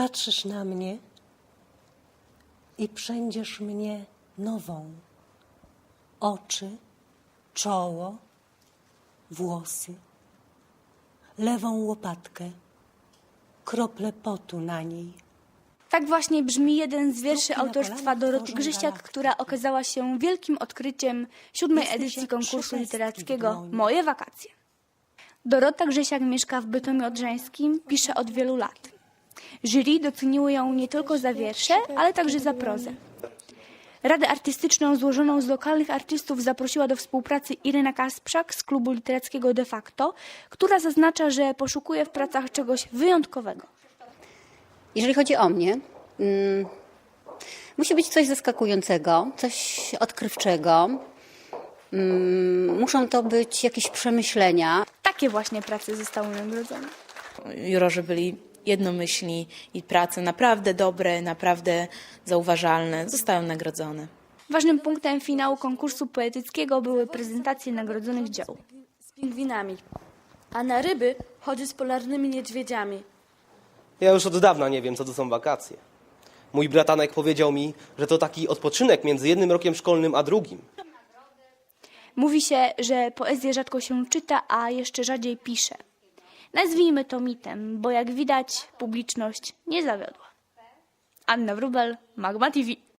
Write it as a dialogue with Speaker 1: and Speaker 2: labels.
Speaker 1: Patrzysz na mnie i przędziesz mnie nową. Oczy, czoło, włosy, lewą łopatkę, krople potu na niej.
Speaker 2: Tak właśnie brzmi jeden z wierszy autorstwa Doroty Grzysiak, która okazała się wielkim odkryciem 7. edycji konkursu literackiego Moje wakacje. Dorota Grzysiak mieszka w Bytomiu Odrzańskim, pisze od wielu lat. Jury doceniło ją nie tylko za wiersze, ale także za prozę. Radę artystyczną złożoną z lokalnych artystów zaprosiła do współpracy Iryna Kasprzak z klubu literackiego De Facto, która zaznacza, że poszukuje w pracach czegoś wyjątkowego.
Speaker 3: Jeżeli chodzi o mnie, musi być coś zaskakującego, coś odkrywczego. Muszą to być jakieś przemyślenia.
Speaker 2: Takie właśnie prace zostały nagrodzone.
Speaker 4: Jurorzy byli jednomyślni i prace naprawdę dobre, naprawdę zauważalne zostają nagrodzone.
Speaker 2: Ważnym punktem finału konkursu poetyckiego były prezentacje nagrodzonych dzieł.
Speaker 5: Z pingwinami, a na ryby chodzi z polarnymi niedźwiedziami.
Speaker 6: Ja już od dawna nie wiem, co to są wakacje. Mój bratanek powiedział mi, że to taki odpoczynek między jednym rokiem szkolnym a drugim.
Speaker 2: Mówi się, że poezję rzadko się czyta, a jeszcze rzadziej pisze. Nazwijmy to mitem, bo jak widać publiczność nie zawiodła. Anna Wróbel, Magma TV.